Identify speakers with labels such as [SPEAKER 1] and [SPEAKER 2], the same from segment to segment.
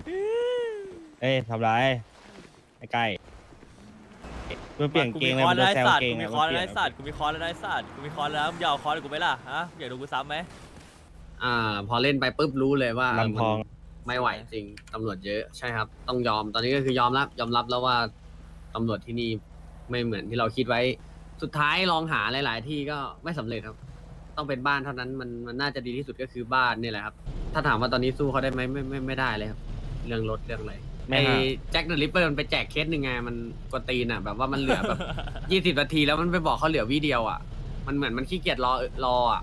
[SPEAKER 1] เอ้ยทำไรไอ้ไก่เพื่อเปลี่ยนเกงเลย
[SPEAKER 2] กู
[SPEAKER 1] มัน
[SPEAKER 2] มี
[SPEAKER 1] จะ
[SPEAKER 2] ค
[SPEAKER 1] แซ
[SPEAKER 2] อ
[SPEAKER 1] ว
[SPEAKER 2] ร์ส
[SPEAKER 1] เกง
[SPEAKER 2] กูมี
[SPEAKER 1] อะ
[SPEAKER 2] คอร์ส
[SPEAKER 1] มันเปลี่
[SPEAKER 2] ไร้
[SPEAKER 1] ยน
[SPEAKER 2] สัตว์กูมีคอร์สไร้สัตว์กูมีคอร์สแล้วมึงจะเอาคอร์สกูไหมล่ะฮะอยากดูกูซ้ำไหม
[SPEAKER 3] พอเล่นไปปุ๊บรู้เลยว่า
[SPEAKER 1] ลำพอง
[SPEAKER 3] มันไม่ไหวจริงตำรวจเยอะใช่ครับ ต้องยอมตอนนี้ก็คือยอมรับแล้วว่าตำรวจที่นี่ไม่เหมือนที่เราคิดไว้ สุดท้ายลองหาหลาย ๆ ที่ก็ไม่สำเร็จครับ ต้องเป็นบ้านเท่านั้นมันน่าจะดีที่สุดก็คือบ้านนี่แหละครับ ถ้าถามว่าตอนนี้สู้เขาได้ไหมไม่ได้เลยครับเรื่องรถเรื่องอะไร
[SPEAKER 1] ไม่
[SPEAKER 3] ไอ้
[SPEAKER 1] ห่าง
[SPEAKER 3] แจ็คเดอะริปเปอร์มันไปแจกเคสหนึ่งไงมันกวนตีนอ่ะแบบว่ามันเหลือแบบ 20 นาทีแล้วมันไปบอกเขาเหลือวิเดียวอ่ะมันเหมือนมันขี้เกียจรออ่ะ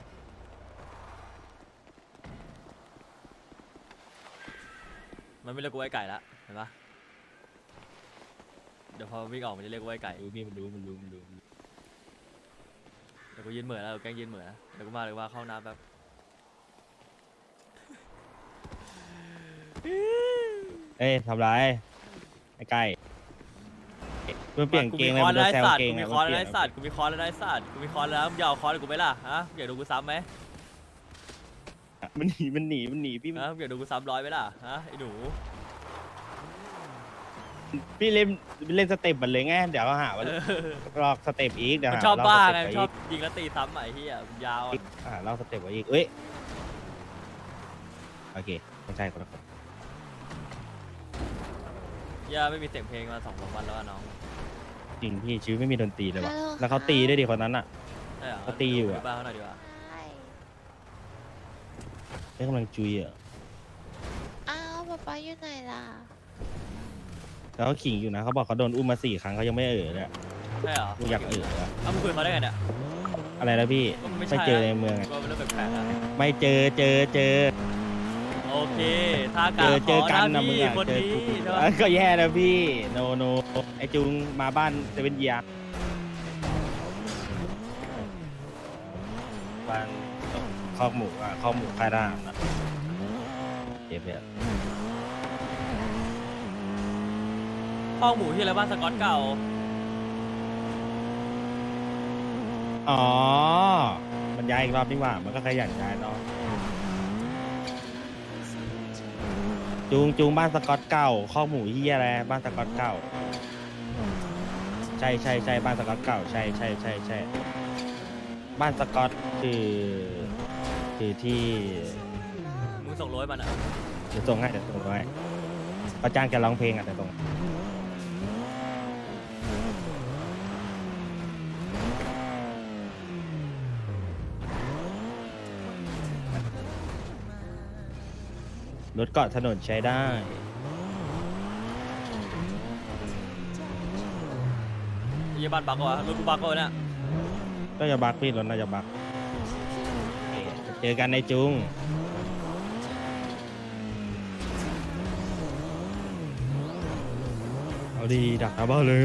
[SPEAKER 2] มันไม่เรียกกูไอ้ไก่ละเห็นปะเดี๋ยวพอวิ่งออกมันจะเรียกกูไอ้ไก่
[SPEAKER 1] รู้พี่มันรู้
[SPEAKER 2] เดี๋ยวกูยืนเหมือนแล้วแกล้งยืนเหมือนนะเดี๋ยวกูมาเลยว่าเข้าน้ำแบบ
[SPEAKER 1] เอ้ยทำไรไอ้ไก่เพื่อเปลี่ยน
[SPEAKER 2] กู
[SPEAKER 1] เก
[SPEAKER 2] มี
[SPEAKER 1] ง
[SPEAKER 2] ค
[SPEAKER 1] เลย
[SPEAKER 2] อร์
[SPEAKER 1] มั
[SPEAKER 2] ส
[SPEAKER 1] นจะ
[SPEAKER 2] ไร้
[SPEAKER 1] แซว
[SPEAKER 2] สัตว์
[SPEAKER 1] เกง
[SPEAKER 2] กูมี
[SPEAKER 1] อะ
[SPEAKER 2] คอร์ส
[SPEAKER 1] มันเปลี่
[SPEAKER 2] ไร้
[SPEAKER 1] ยน
[SPEAKER 2] สัตว์กูมีคอร์สไร้สัตว์กูมีคอร์สแล้วมึงจะเอาคอร์สกูไหมล่ะฮะอยากดูกูซ้ำไหม
[SPEAKER 1] มันหนีพี่
[SPEAKER 2] ฮะอยากดูกูซ้ำร้อยไหมล่ะฮะไอ้หนู
[SPEAKER 1] พี่เล่นสเต็ปมันเลยไงเดี๋ยวเขาหาว่าลอกสเต็ปอีกเดี๋ยว
[SPEAKER 2] มัน
[SPEAKER 1] หา
[SPEAKER 2] ชอบ
[SPEAKER 1] ลอก
[SPEAKER 2] บ้า
[SPEAKER 1] ส
[SPEAKER 2] ไง
[SPEAKER 1] เต็ป
[SPEAKER 2] มัน
[SPEAKER 1] ไว้
[SPEAKER 2] ชอ
[SPEAKER 1] อี
[SPEAKER 2] บ
[SPEAKER 1] ก
[SPEAKER 2] ยิงแล้วตีซ้ำอ่ะไอ้เหี้ยมันยาวอะ
[SPEAKER 1] ลอกสเต็ปไว้อีกเอ้ยโอเคไม่ใช่คนละคน
[SPEAKER 2] เหี้ยไม่มีเสียงเพลงมา2-3 วันแล้วอะน้อง
[SPEAKER 1] จริงพี่ชีวิตไม่มีดนตรีเลยวะ
[SPEAKER 4] ฮัลโหล
[SPEAKER 1] แล้วเขาตีด้วยดิคนนั้นอ่ะ
[SPEAKER 2] ใช่เหรอ
[SPEAKER 1] ก็ตีอยู่อะ
[SPEAKER 2] ไปบ้านเขาหน่อยดีกว่า
[SPEAKER 4] ใช่
[SPEAKER 1] ได้กำลังจุยอ่ะ
[SPEAKER 4] อ้าวป๊าป๊าอยู่ไหนล่ะ
[SPEAKER 1] แล้วเขาขิงอยู่นะเขาบอกเขาโดนอุ้มมา4 ครั้งเขายังไม่เลย
[SPEAKER 2] ใช่เหรอ
[SPEAKER 1] กูอยากอะ
[SPEAKER 2] เอ้ามึงคุยกับเขาได้ไงเนี่ย
[SPEAKER 1] อะไรนะพี่
[SPEAKER 2] ไม่
[SPEAKER 1] ไป
[SPEAKER 2] ใช่
[SPEAKER 1] เจอในเมืองอะ
[SPEAKER 2] ก็เป็นเรื่องแปลกๆอะ
[SPEAKER 1] ไม่เจอ
[SPEAKER 2] โอเคถ้ากา
[SPEAKER 1] เจอ
[SPEAKER 2] ข
[SPEAKER 1] กัน
[SPEAKER 2] นะ
[SPEAKER 1] นะมึง
[SPEAKER 2] พี่
[SPEAKER 1] อ่ะ
[SPEAKER 2] คน
[SPEAKER 1] เจอ
[SPEAKER 2] นี้
[SPEAKER 1] กู
[SPEAKER 2] ใช่ปะ
[SPEAKER 1] ก็แย่นะพี่โนไอจุงมาบ้านเซเว่นเยียบ้านคอกหมูอ่ะคอกหมูค่ายทหารอ่ะเจ็บเนี่ย
[SPEAKER 2] ข้องหมูที่อะไรบ้านสกอตเก่า
[SPEAKER 1] อ๋อมันย้ายอีกรอบนี่หว่ามันก็ขยันย้ายเนาะจูงบ้านสกอตเก่าคอกหมูเฮียอะไรบ้านสกอตเก่าใช่บ้านสกอตเก่าใช่บ้านสกอตคือที่
[SPEAKER 2] มึงส่งโรยมันอ่ะ
[SPEAKER 1] เดี๋ยวส่งให้เขาจ้างแกร้องเพลงอ่ะแต่ส่งรถเกาะถนนใช้ได้
[SPEAKER 2] ไอ้เหี้ยบ้านบักวะรถกูบักวะเนี่ย
[SPEAKER 1] ก็จะบักพี่รถน่าจะบักเจอกันในจุงเอาดีดักหน้าบ้านเลย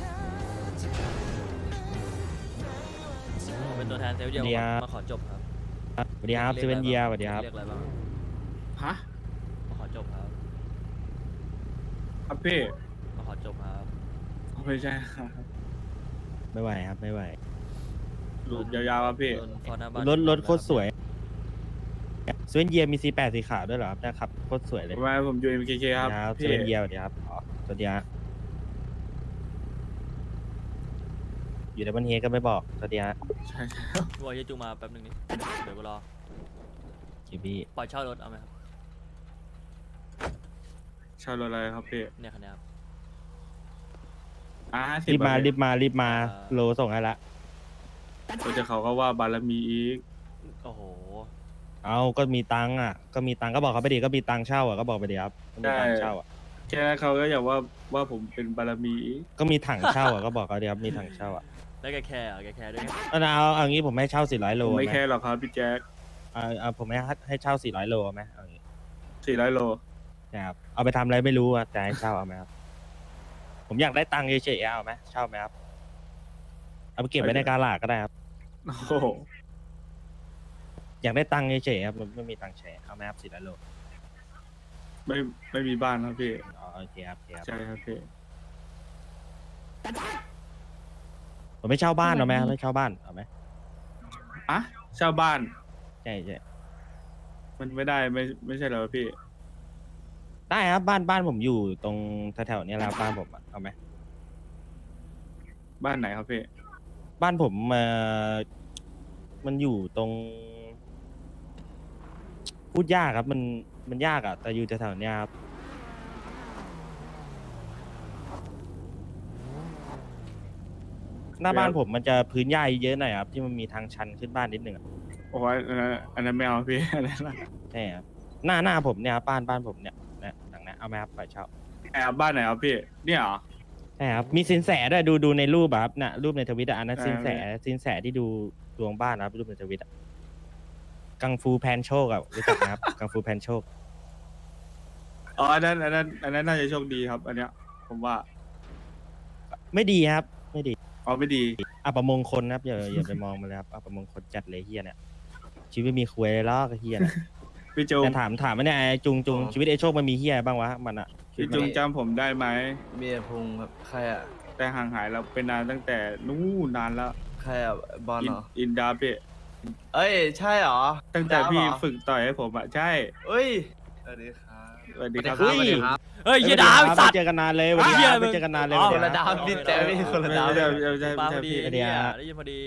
[SPEAKER 2] ผมเป็นตัวแทนเซลล์เดียว
[SPEAKER 1] เดีย
[SPEAKER 2] มาขอจบครับ
[SPEAKER 1] สวัสดีครับเซเว่นเยียสวัสดีครับ
[SPEAKER 2] เรียกอะไรบ้าง
[SPEAKER 5] ฮะ
[SPEAKER 2] มาขอจบครับ
[SPEAKER 5] ครับพี่
[SPEAKER 2] มาขอจบครับ
[SPEAKER 5] ไม่ใช่ครับ
[SPEAKER 1] ไม่ไหวครับไม่ไหว
[SPEAKER 5] หลุดยาวๆครับพี่
[SPEAKER 2] โดนฟอร์หน้าบ้าน
[SPEAKER 1] รถโคตรสวยเซเว่นเยียมีC8สีขาวด้วยเหรอครับนะครับโคตรสวยเลย
[SPEAKER 5] ว่าผมอยู่ MKK ครับ
[SPEAKER 1] เซ
[SPEAKER 5] พี่
[SPEAKER 1] เว่นเยียสวัสดีครับอ๋อสวัสดีครับอยู่ในบันเฮก็ไม่บอกสวัสดีครับ
[SPEAKER 5] ใช่ใช่
[SPEAKER 2] กูบอกเหี้ยจูงมาแป๊บนึงนี่เดี๋ยวกูรอ
[SPEAKER 1] คิบี้
[SPEAKER 2] ปล่อยเช่ารถเอาไหมครับ
[SPEAKER 5] ชาวรถอะไรครับพี่
[SPEAKER 2] เนี่ยคันนี้ครับ
[SPEAKER 1] รีบมา
[SPEAKER 5] 50
[SPEAKER 1] โลส่งให้ละ
[SPEAKER 5] ก็จะเขาก็ว่าบารมีอีก
[SPEAKER 2] โอ้โห
[SPEAKER 1] เอาก็มีตังค์อ่ะก็มีตังค์ก็บอกเขาไปดิก็มีตังค์เช่าอ่ะก็บอกไปดิครับก็มีตังค์เช่าอ่ะ
[SPEAKER 5] แค่นั้นเขาก็อยากว่าผมเป็นบารมีอีก
[SPEAKER 1] ก็มีถังเช่าอ่ะก็บอกเขาดิครับมีถังเช่าอ่ะ
[SPEAKER 2] แล้วแกแคร์เหรอแกแคร์ด้วยไง
[SPEAKER 1] เอางี้ผมให้เช่า400โล
[SPEAKER 5] ผมไม่
[SPEAKER 1] ไหม
[SPEAKER 5] แค่หรอกครับพี่แจ็ค
[SPEAKER 1] ผมให้เช่า400โลไหมเอางี้
[SPEAKER 5] 400 โล
[SPEAKER 1] นะครับเอาไปทำอะไรไม่รู้อ่ะแต่ให้เช่าเอาไหมครับผมอยากได้ตังค์เฉยๆเอาไหมเช่าไหมครับเอาไปเก็บไว้ในกาลาดก็ได้ครับ
[SPEAKER 5] โอ้โห
[SPEAKER 1] อยากได้ตังค์เฉยๆครับไม่มีตังค์แชร์เอาไหมครับ400โล
[SPEAKER 5] ไม่มีบ้านครับพี่
[SPEAKER 1] อ๋อโอเคครับโอเคครับ
[SPEAKER 5] ใช่ครับพี่
[SPEAKER 1] ผมไม่เช่าบ้านเอาไหมไม่เช่าบ้านเอาไหม
[SPEAKER 5] อะเช่าบ้าน
[SPEAKER 1] ใช่
[SPEAKER 5] มันไม่ได้ไม่ใช่เหรอพี่
[SPEAKER 1] ได้ครับบ้านผมอยู่ตรงแถวๆเนี้ยแหล้วบ้านผมอะเอาไหม
[SPEAKER 5] บ้านไหนครับพี่
[SPEAKER 1] บ้านผมมันอยู่ตรง พูดยากครับมันยากอะแต่อยู่แถวๆเนี้ยครับหน้าบ้านผมมันจะพื้นหญ้าเยอะหน่อยครับที่มันมีทางชันขึ้นบ้านนิดหนึ่งอะ
[SPEAKER 5] โอ้ยอันนั้นไม่เอาพี่ อันนั้นนะ
[SPEAKER 1] ใช่ครับหน้าผมเนี่ยครับบ้านผมเนี่ยนะหลังเนี้ยเอาไหมครับปล่อยเช่า
[SPEAKER 5] แอบบ้านไหนครับพี่ เนี่ยเหรอ
[SPEAKER 1] ใช่ครับมีสินแสด้วยดูในรูปอะครับน่ะรูปในทวิตอะอันนั้น
[SPEAKER 5] อ่า
[SPEAKER 1] สินแสที่ดูดวงบ้านนะครับรูปในทวิตอะกังฟูแพนโชคอะรู้จักไหมครับ กังฟูแพนโชค
[SPEAKER 5] อ๋ออันนั้นน่าจะโชคดีครับ อันเนี้ย ผมว่า
[SPEAKER 1] ไม่ดีครับไม่ดี
[SPEAKER 5] อ๋อไม่ดี
[SPEAKER 1] อัปมงคลนะครับอย่าไปมองมันเลยครับอัปมงคลจัดเลยเฮียเนี่ยชีวิตมีคุยเลยล้อกเฮียเนี่ย
[SPEAKER 5] พี่จุง
[SPEAKER 1] แต่ถามว่าเนี่ยไอ้จุงชีวิตไอ้โชคมันมีเฮียบ้างวะมันอะ
[SPEAKER 5] พี่จุงจำผมได้ไหม
[SPEAKER 6] เมียพุงครับใครอ่ะ
[SPEAKER 5] แต่ห่างหายเราเป็นนานตั้งแต่นู่นนานแล้ว
[SPEAKER 6] ใครอ่ะบอลเหรอ
[SPEAKER 5] อินดาพี่
[SPEAKER 6] เอ้ยใช่เหรอ
[SPEAKER 5] ตั้งแต่พี่
[SPEAKER 6] ดาวเหรอ
[SPEAKER 5] ฝึกต่อยให้ผมอะใช่
[SPEAKER 6] เอ้ยสวัสดีครับ
[SPEAKER 5] สวัสดีครับ
[SPEAKER 3] สวัสดีครับ
[SPEAKER 2] เฮ้ยเฮียดาวไอ้สัต
[SPEAKER 1] ไม่
[SPEAKER 2] ว์
[SPEAKER 1] เจอกันนานเลยวันนี้
[SPEAKER 2] เหี้ย
[SPEAKER 1] ไม่เจอกันนานเลย
[SPEAKER 2] อ๋อ
[SPEAKER 6] คนละดาวพี่แจ๊พี่คนละดาว
[SPEAKER 5] ไม่ใช่
[SPEAKER 2] มาพ
[SPEAKER 5] ไม่
[SPEAKER 2] อดี
[SPEAKER 5] ใช่พี่
[SPEAKER 1] เดี๋ยว
[SPEAKER 2] เนี่ยได้ยินพอดี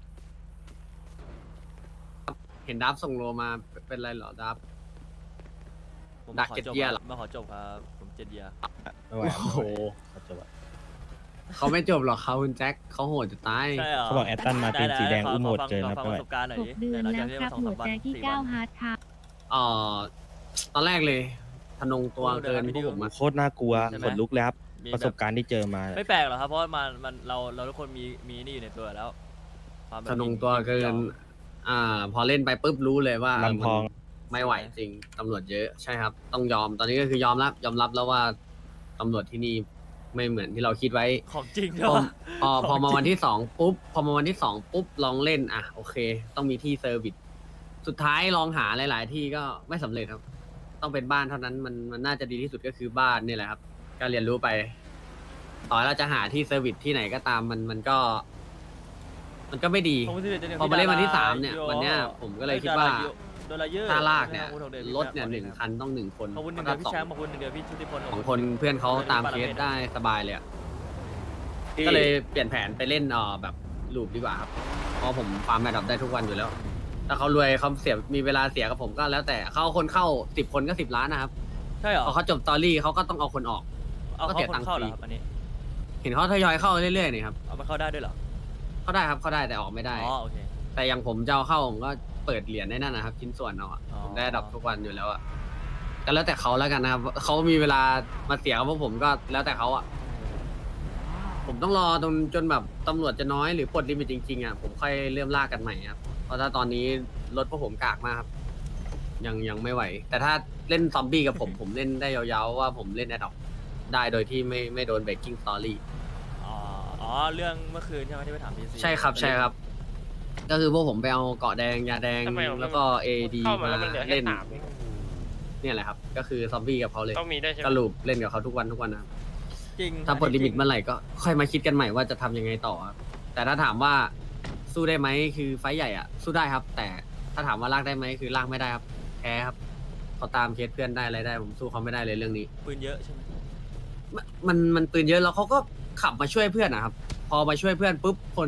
[SPEAKER 3] เห็นดับส่งโลมาเป็นไรเหรอดับ
[SPEAKER 2] ผม
[SPEAKER 3] ดั
[SPEAKER 2] มาก ขอ
[SPEAKER 3] เจ็ด
[SPEAKER 2] จบ
[SPEAKER 3] เยีย
[SPEAKER 2] ค
[SPEAKER 3] เหร
[SPEAKER 2] รั
[SPEAKER 3] อ
[SPEAKER 2] บมาขอจบครับผม7 เยีย
[SPEAKER 1] ไม่ไหวครับ
[SPEAKER 3] โอ้โห
[SPEAKER 1] เขาจบอะ
[SPEAKER 3] เขาไม่จบหรอกเขาคุณแจ็คเขาโหดจะตาย
[SPEAKER 2] ใช่เหรอ
[SPEAKER 1] เขาบอกแอตตันมาเป็นสีแดง
[SPEAKER 2] ไๆ
[SPEAKER 1] อุ้มโหด
[SPEAKER 2] ขฟั
[SPEAKER 1] เกิน
[SPEAKER 2] ข
[SPEAKER 1] ครับ
[SPEAKER 2] ฟัง
[SPEAKER 1] ไม่
[SPEAKER 2] ป
[SPEAKER 1] ไหว
[SPEAKER 2] ระสบการณ์หน่อย
[SPEAKER 7] 6
[SPEAKER 2] ดิ
[SPEAKER 7] เดือน
[SPEAKER 2] หลัง
[SPEAKER 7] แล้
[SPEAKER 2] จาก
[SPEAKER 7] ว
[SPEAKER 2] ที่
[SPEAKER 7] ครับ
[SPEAKER 2] สอง
[SPEAKER 7] หั
[SPEAKER 2] สาว มวัน
[SPEAKER 7] ใจที่
[SPEAKER 2] 4 วัน
[SPEAKER 7] 9 ฮาร์ดครับ
[SPEAKER 3] เอ่อตอนแรกเลยทะนงตัวเกินพวกผมอะ
[SPEAKER 1] โคตรน่ากลัวขนลุกเลยครับ
[SPEAKER 2] มี
[SPEAKER 1] ประสบการณ์ที่เจอมา
[SPEAKER 2] ไม่แปลกหรอกครับเพราะว่ามันเราทุกคนมีนี่อยู่ในตัวแล้วความแบบ
[SPEAKER 3] ทะนงตัวเกิน พอเล่นไปปุ๊บรู้เลยว่า
[SPEAKER 1] ลำพอง
[SPEAKER 3] มันไม่ไหวจริงตำรวจเยอะใช่ครับ ต้องยอมตอนนี้ก็คือยอมรับแล้วว่าตำรวจที่นี่ไม่เหมือนที่เราคิดไว้
[SPEAKER 2] ของจริง
[SPEAKER 3] พ
[SPEAKER 2] ใช่
[SPEAKER 3] อ
[SPEAKER 2] ปะ
[SPEAKER 3] พอมาวันที่สองปุ๊บลองเล่นอ่ะโอเค ต้องมีที่เซอร์วิสสุดท้ายลองหาหลาย ๆ ที่ก็ไม่สำเร็จครับ ต้องเป็นบ้านเท่านั้นมันน่าจะดีที่สุดก็คือบ้านนี่แหละครับก็เรียนรู้ไป ต่อให้เราจะหาที่เซอร์วิสที่ไหนก็ตามมันก็ไม่ดี
[SPEAKER 2] ผมที่จะ
[SPEAKER 3] พอมาเล่นวันที่ 3เนี่ยวันเนี้ยผมก็เลยคิดว่า
[SPEAKER 2] โดนอะไรเยอะ
[SPEAKER 3] ถ้าลากเนี่ย
[SPEAKER 2] ขอบคุณของ
[SPEAKER 3] รถเนี่ย
[SPEAKER 2] พี่
[SPEAKER 3] 1 คันต้อง1 คน
[SPEAKER 2] ขอบคุณหนึ่ง
[SPEAKER 3] ถ้า
[SPEAKER 2] เดือนพี่แชมป์ขอบคุณหนึ่งเดือนพี่ชุติพล
[SPEAKER 3] สองคนเพื่อนเขาตามเคสได้สบายเลยอะก็เลยเปลี่ยนแผนไปเล่นแบบลูปดีกว่าครับเพราะผมฟาร์มแมดดอปได้ทุกวันอยู่แล้ว ถ้าเขารวยเขาเสียมีเวลาเสียกับผมก็แล้วแต่เขาเอาคนเข้า10 คนก็10 ล้านนะครับ
[SPEAKER 2] ใช่เหรอ
[SPEAKER 3] พอเขาจบสตอรี่เขาก็ต้องเอาคนออก
[SPEAKER 2] เอา
[SPEAKER 3] ก็
[SPEAKER 2] เขา
[SPEAKER 3] เสีย
[SPEAKER 2] ค
[SPEAKER 3] ตัง
[SPEAKER 2] น
[SPEAKER 3] ค์
[SPEAKER 2] เข้า
[SPEAKER 3] ฟ
[SPEAKER 2] เหร
[SPEAKER 3] รี
[SPEAKER 2] อครับอันนี้
[SPEAKER 3] เห็นเขาทยอยเข้าเรื่อยๆนี่ครับ
[SPEAKER 2] เอามันเข้าได้ด้วยเหรอ
[SPEAKER 3] เขาได้ครับเขาได้แต่ออกไม่ได้
[SPEAKER 2] อ๋อโอเค
[SPEAKER 3] แต่อย่างผมจะเอาเข้าผมก็เปิดเหรียญได้นั่นนะครับชิ้นส่วนเอาอะ
[SPEAKER 2] อ๋อ
[SPEAKER 3] ผมได้ดับทุกวันอยู่แล้วอะก็แล้วแต่เขาแล้วกันนะครับเขามีเวลามาเสียกับพวกผมก็แล้วแต่เขาอะผมต้องรอจนแบบตำรวจจะน้อยหรือปลดลิมิตจริงๆอะผมค่อยเริ่มลากกันใหม่ครับเพราะถ้าตอนนี้รถพวกผมกากมากครับยังไม่ไหว แต่ถ้าเล่นซอมบี้กับผม ผมเล่นได้ยาวๆว่าผมเล่นแอดดอกได้โดยที่ไม่โดนเบรกกิ้งสตอรี่
[SPEAKER 2] อ๋อเรื่องเมื่อคืนใช่ไหมที่ไปถามพี่ซี
[SPEAKER 3] ใช่ครับใช่ครับ ก็คือพวกผมไปเอาเกาะแดงยาแดง
[SPEAKER 8] ทำไมผม
[SPEAKER 3] แล้วก็เอดี
[SPEAKER 8] เข้ามา
[SPEAKER 3] มา
[SPEAKER 8] แล้วมันเหลือแค่
[SPEAKER 3] เล่น
[SPEAKER 8] 3เอง
[SPEAKER 3] เนี่ยแหละครับ ก็คือซอมบี้กับเขาเลย
[SPEAKER 8] ต้องมีด้วยใช่ไหม
[SPEAKER 3] ก็ลูปเล่นกับเขาทุกวันนะครับ
[SPEAKER 2] จริง
[SPEAKER 3] ถ้าปลดลิมิตเมื่อไหร่ก็ค่อยมาคิดกันใหม่ว่าจะทำยังไงต่อครับแต่ถ้าถามว่าสู้ได้ไหมคือไฟท์ใหญ่อะสู้ได้ครับ แต่ถ้าถามว่าลากได้ไหมคือลากไม่ได้ครับแพ้ครับเขาตามเคสเพื่อนได้อะไรได้ผมสู้เขาไม่ได้เลยเรื่องนี้
[SPEAKER 2] ปืนเยอะใช่ไหม
[SPEAKER 3] มันปืนเยอะแล้วเขาก็ขับมาช่วยเพื่อนนะครับ พอมาช่วยเพื่อนปุ๊บคน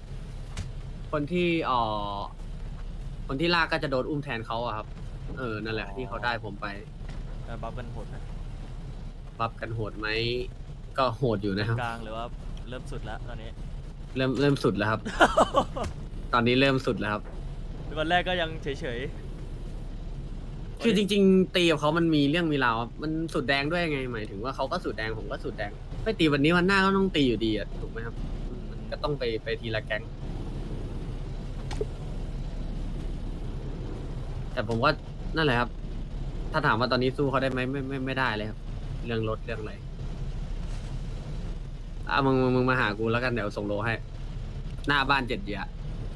[SPEAKER 3] ที่ลากก็จะโดนอุ้มแทนเขาอะครับนั่นแหละที่เขาได้ผมไป
[SPEAKER 2] บัฟกันโหดไหม
[SPEAKER 3] บัฟกันโหดไหมก็โหดอยู่นะครับ
[SPEAKER 2] กลางหรือว่าเริ่มสุดแล้วตอนนี้
[SPEAKER 3] เริ่มสุดแล้วครับ ตอนนี้เริ่มสุดแล้วครับ
[SPEAKER 2] วันแรกก็ยังเฉย
[SPEAKER 3] คือจริงๆตีกับเขามันมีเรื่องมีราวครับมันสุดแดงด้วยไงหมายถึงว่าเขาก็สุดแดงผมก็สุดแดงไม่ตีวันนี้วันหน้าก็ต้องตีอยู่ดีอะถูกไหมครับมันก็ต้องไปทีละแก๊งแต่ผมว่านั่นแหละครับ ถ้าถามว่าตอนนี้สู้เขาได้ไหมไม่ได้เลยครับ เรื่องรถเรื่องอะไรมึงมาหากูแล้วกันเดี๋ยวส่งโลให้ หน้าบ้าน7 เดีย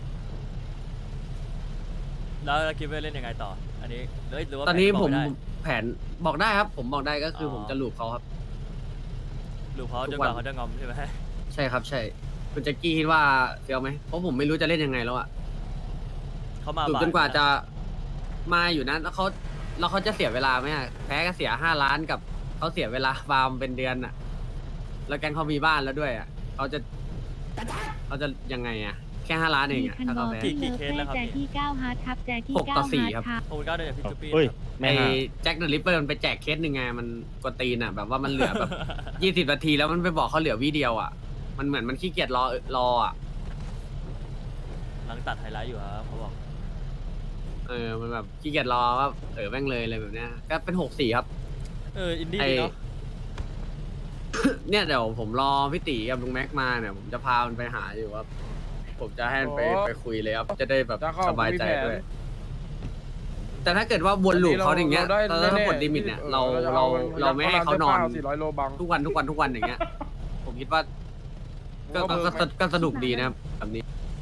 [SPEAKER 2] ๆแล้วเราคิดว่าเล่นยังไงต่อ อันนี้หรือว่า
[SPEAKER 3] ตอนนี้
[SPEAKER 2] แผ
[SPEAKER 3] ผม
[SPEAKER 2] บกไได้
[SPEAKER 3] แผนบอกได้ครับ ผมบอกได้ก็คืออ
[SPEAKER 2] อ
[SPEAKER 3] ผมจะลูบเขาครับ
[SPEAKER 2] หรือเขา
[SPEAKER 3] ทุ
[SPEAKER 2] จน
[SPEAKER 3] ก
[SPEAKER 2] ก
[SPEAKER 3] วัน
[SPEAKER 2] ว่าเขาจะงอมใช่ไหม
[SPEAKER 3] ใช่ครับใช่คุณแจ็คกี้คิดว่าเฟี้ยวไหมเพราะผมไม่รู้จะเล่นยังไงแล้วอะ
[SPEAKER 2] เขามา
[SPEAKER 3] ลูบ
[SPEAKER 2] บ่ย
[SPEAKER 3] จนกว่าจะมาอยู่นะแล้วเขาแล้วเขาจะเสียเวลาไหมอะแพ้ก็เสีย5 ล้านกับเขาเสียเวลาฟาร์มเป็นเดือนอะแล้วแกงเขามีบ้านแล้วด้วยอะเขาจะยังไงอะแค่5 ล้านเองอะถ้าเขาแพ้
[SPEAKER 2] กี่เคสแล้วครับ
[SPEAKER 7] แจ็ค
[SPEAKER 2] พี่
[SPEAKER 7] ที่9ฮาร์ดครับแจ็คที่
[SPEAKER 3] หกต่อ
[SPEAKER 7] 9
[SPEAKER 3] สี่
[SPEAKER 7] ฮาร์ด
[SPEAKER 3] ครับ
[SPEAKER 7] ครับ
[SPEAKER 2] ขอบคุณก้าวด้วยจากพี่จุ๊บปี้
[SPEAKER 1] เฮ้ย
[SPEAKER 2] ครับ
[SPEAKER 1] ไม่
[SPEAKER 3] ไอ้
[SPEAKER 1] ห่า
[SPEAKER 3] แจ็คเดอะริปเปอร์มันไปแจกเคสหนึ่งไงมันกวนตีนอะแบบว่ามันเหลือแบบ 20 นาทีแล้วมันไปบอกเขาเหลือวิเดียวอะมันเหมือนมันขี้เกียจรออะ
[SPEAKER 2] หลังตัดไฮไลท์อยู่ครับเขาบอก
[SPEAKER 3] มันแบบขี้เกียจรอว่าแม่งเลยอะไรแบบเนี้ยก็เป็น6-4ครับ
[SPEAKER 2] อินดี้
[SPEAKER 3] ไอ้
[SPEAKER 2] ดีเนาะ
[SPEAKER 3] เนี่ยเดี๋ยวผมรอพี่ตีกับลุงแม็กมาเนี่ยผมจะพามันไปหาอยู่ว่าผมจะให้มันไปคุยเลยครับจะได้แบบสบายใจด้วย แต่ถ้าเกิดว่าวนลูปเขาอย่างเงี้ยถ้าหมดลิมิตเนี่ยเราไม่ให้เขานอน
[SPEAKER 8] 400 โลบัง
[SPEAKER 3] ทุกวันอย่างเงี้ย ผมคิดว่าก็สนุกดีนะครับแบบนี้